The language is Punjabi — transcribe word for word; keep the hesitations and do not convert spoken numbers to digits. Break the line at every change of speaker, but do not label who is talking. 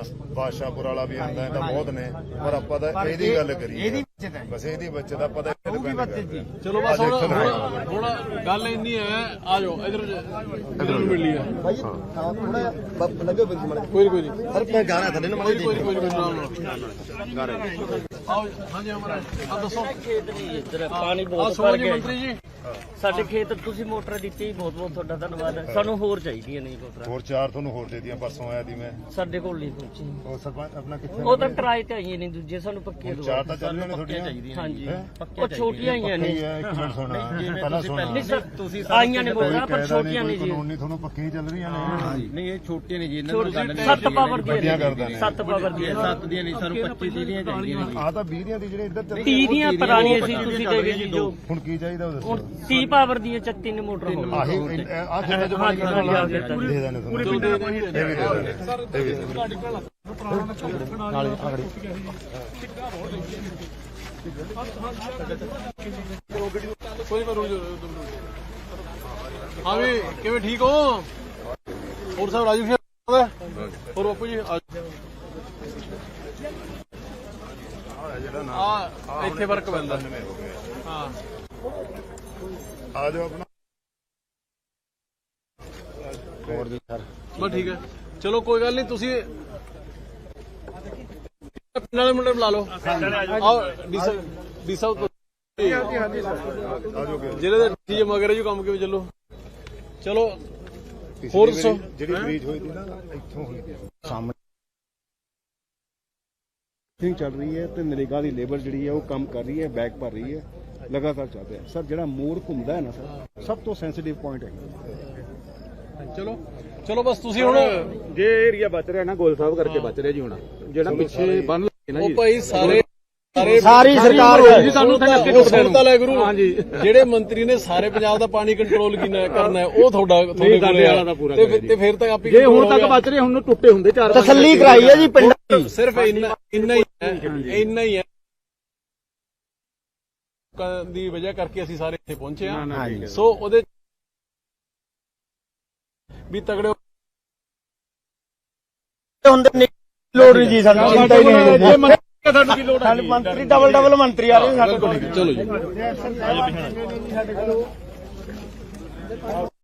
ਬਾਦਸ਼ਾਹਪੁਰ ਵਾਲਾ ਵੀ ਆਉਂਦਾ ਤਾਂ ਬਹੁਤ ਨੇ, ਪਰ ਆਪਾਂ ਤਾਂ ਇਹਦੀ ਗੱਲ ਕਰੀਏ ਬਸ, ਇਹਦੀ ਬੱਚਤ ਦਾ ਪਤਾ।
ਚਲੋ ਬਸ ਹੁਣ ਹੁਣ ਗੱਲ ਇੰਨੀ ਹੈ, ਆ ਜਾਓ ਇਧਰ ਇਧਰ ਮਿਲ ਲਈ ਹੈ ਕੋਈ ਕੋਈ ਨਹੀਂ
ਸਰ ਮੈਂ ਗਾ ਰਿਹਾ ਥੱਲੇ ਨਾ
ਕੋਈ ਕੋਈ ਕੋਈ ਗਾ ਰਹੇ ਆਓ। ਹਾਂਜੀ ਹਮਾਰਾ ਆ ਦੱਸੋ
ਖੇਤ ਨਹੀਂ ਇੱਧਰ ਪਾਣੀ
ਆ
ਬਹੁਤ
ਸੋਚ
ਭਰ
ਜੀ
ਗਿਆ
ਮੰਤਰੀ ਜੀ।
ਸਾਡੇ ਖੇਤ ਤੁਸੀਂ ਮੋਟਰ ਦਿੱਤੀ, ਬਹੁਤ ਬਹੁਤ ਤੁਹਾਡਾ ਧੰਨਵਾਦ ਹੈ। ਸਾਨੂੰ ਹੋਰ ਚਾਹੀਦੀਆਂ ਨਹੀਂ ਮੋਟਰਾਂ,
ਹੋਰ ਚਾਰ ਤੁਹਾਨੂੰ ਹੋਰ ਦੇ ਦਿੱਤੀਆਂ, ਪਰਸੋਂ ਆਇਆ ਦੀ ਮੈਂ।
ਸਾਡੇ ਕੋਲ ਨਹੀਂ ਪਹੁੰਚੀ।
ਉਹ ਸਰਪੰਚ ਆਪਣਾ ਕਿੱਥੇ?
ਉਹ ਤਾਂ ਕਿਰਾਏ ਤੇ ਆਈਆਂ ਨੇ ਦੂਜੇ, ਸਾਨੂੰ ਪੱਕੀਆਂ
ਚਾਰ ਤਾਂ ਚੱਲ ਰਹੀਆਂ ਨੇ ਤੁਹਾਡੀਆਂ।
ਹਾਂਜੀ ਉਹ ਛੋਟੀਆਂ ਆਈਆਂ ਨੇ।
ਇੱਕ ਮਿੰਟ ਸੁਣਾ ਪਹਿਲਾਂ ਸੁਣਾ।
ਨਹੀਂ ਸਰ ਤੁਸੀਂ ਆਈਆਂ ਨੇ ਮੋਟਰਾਂ ਪਰ ਛੋਟੀਆਂ ਨੇ ਜੀ।
ਕਾਨੂੰਨੀ ਤੁਹਾਨੂੰ ਪੱਕੀਆਂ ਚੱਲ ਰਹੀਆਂ ਨੇ।
ਨਹੀਂ ਇਹ ਛੋਟੀਆਂ ਨੇ ਜੀ, ਇਹਨਾਂ ਨੂੰ ਗੱਲ ਨਹੀਂ।
ਸੱਤ ਪਾਵਰ ਦੀਆਂ
ਕਰਦਾ ਨੇ।
ਸੱਤ ਪਾਵਰ ਦੀਆਂ
ਸੱਤ ਦੀਆਂ ਨਹੀਂ, ਸਾਨੂੰ ਪੱਚੀ ਤੀਹ ਦੀਆਂ ਚਾਹੀਦੀਆਂ ਨੇ।
ਆ ਤਾਂ ਵੀਹ ਦੀਆਂ ਦੀ ਜਿਹੜੇ ਇੱਧਰ ਚੱਲ
ਤੀਹ ਦੀਆਂ ਪੁਰਾਣੀਆਂ ਸੀ, ਤੁਸੀਂ ਦੇ ਗਏ ਜੀ ਜੋ।
ਹੁਣ ਕੀ ਚਾਹੀਦਾ ਉਹ ਦੱਸੋ।
ਤੀਹ ਪਾਵਰ ਦੀਆਂ ਤਿੰਨ ਮੋਟਰ ਹੋ ਗਈਆਂ।
ਆਹੀ ਆ ਖੇਤਾਂ ਚ ਪਾਣੀ ਕੱਢਣ ਵਾਲਾ ਦੇ ਦੇਣੇ ਤੁਹਾਨੂੰ। ਇਹ ਵੀ ਦੇ ਦੇਣੇ, ਇਹ ਵੀ ਦੇ ਦੇਣੇ।
ਨਾਲੇ ਆਗੜੀ
ਕੋਈ ਕਰੋ ਹਾਂ ਵੀ ਕਿਵੇਂ ਠੀਕ ਹੋ? ਹੋਰ ਸਾਹਿਬ ਰਾਜੂ ਜੀ ਹੋਰ ਬਾਪੂ ਜੀ ਆ ਇੱਥੇ ਵਰਕ ਪੈਂਦਾ। ਹਾਂ
ਆ ਜਾਓ ਆਪਣਾ।
ਹੋਰ ਜੀ ਸਰ
ਬਸ ਠੀਕ ਹੈ, ਚਲੋ ਕੋਈ ਗੱਲ ਨਹੀਂ। ਤੁਸੀਂ ਪਿੰਡ ਵਾਲੇ ਮੁੰਡੇ ਬੁਲਾ ਲਓ। ਆਓ ਡੀ ਸਾਹਿਬ ਡੀ ਸਾਹਿਬ ਜਿਹੜੇ ਦੇ ਠੀਕ ਮਗਰ ਜੀ ਕੰਮ ਕਿਵੇਂ ਚੱਲੋ। ਚਲੋ ਹੋਰ ਦੱਸੋ।
ਜਿਹੜੀ ਬ੍ਰੀਜ ਹੋਈ ਸੀ ਨਾ ਇੱਥੋਂ ਹੋਈ ਸੀ
ਸਾਹਮਣੇ ਚੱਲ ਰਹੀ ਹੈ ਤੇ ਨਰੇਗਾ ਦੀ ਲੇਬਰ ਜਿਹੜੀ ਹੈ ਉਹ ਕੰਮ ਕਰ ਰਹੀ ਹੈ, ਬੈਕ ਭਰ ਰਹੀ ਹੈ, ਲਗਾਤਾਰ ਚੱਲ ਰਿਹਾ ਸਰ। ਜਿਹੜਾ ਮੋੜ ਘੁੰਮਦਾ ਹੈ ਨਾ ਸਰ, ਸਭ ਤੋਂ ਸੈਂਸਿਟਿਵ ਪੁਆਇੰਟ ਹੈ।
ਚਲੋ ਚਲੋ ਬਸ ਤੁਸੀਂ ਹੁਣ
ਜੇ ਏਰੀਆ ਬਚ ਰਿਹਾ ਨਾ ਗੋਲ ਸਾਹਿਬ ਕਰਕੇ ਬਚ ਰਿਹਾ ਜੀ। ਹੁਣ ਜਿਹੜਾ ਪਿੱਛੇ ਬੰਨ ਲੱਗੇ ਨਾ
ਉਹ
ਜੀ,
ਭਾਈ ਸਾਰੇ ਸਾਰੇ
ਸਾਰੀ ਸਰਕਾਰ
ਜੀ ਸਾਨੂੰ ਸੁਣਤਾ ਲੈ ਗੁਰੂ। ਹਾਂਜੀ ਜਿਹੜੇ ਮੰਤਰੀ ਨੇ ਸਾਰੇ ਪੰਜਾਬ ਦਾ ਪਾਣੀ ਕੰਟਰੋਲ ਕਰਨਾ ਹੈ ਉਹ ਤੁਹਾਡਾ ਤੁਹਾਡੇ ਕੋਲੇ ਆ ਤੇ ਤੇ ਫਿਰ ਤੱਕ ਆਪੀ
ਜੇ ਹੁਣ ਤੱਕ ਬਚ ਰਹੇ ਹੁਣ ਨੂੰ ਟੁੱਟੇ ਹੁੰਦੇ ਚਾਰ
ਤਸੱਲੀ ਕਰਾਈ ਹੈ ਜੀ ਪਿੰਡਾਂ ਦੀ।
ਸਿਰਫ ਇੰਨਾ ਇੰਨਾ ਹੀ ਹੈ, ਇੰਨਾ ਹੀ ਹੈ ਦੀ ਵਜ੍ਹਾ ਕਰਕੇ ਅਸੀਂ ਸਾਰੇ ਇੱਥੇ ਪਹੁੰਚੇ ਆ। ਸੋ ਉਹਦੇ ਵੀ ਤਗੜੇ
ਹੁੰਦੇ ਲੋੜ ਨਹੀਂ ਜੀ ਸਾਨੂੰ।
ਤੁਹਾਨੂੰ ਕੀ ਲੋੜ ਹੈ?
ਮੰਤਰੀ ਡਬਲ ਡਬਲ ਮੰਤਰੀ ਆ ਰਹੇ ਸਾਡੇ ਕੋਲ।
ਚਲੋ ਜੀ।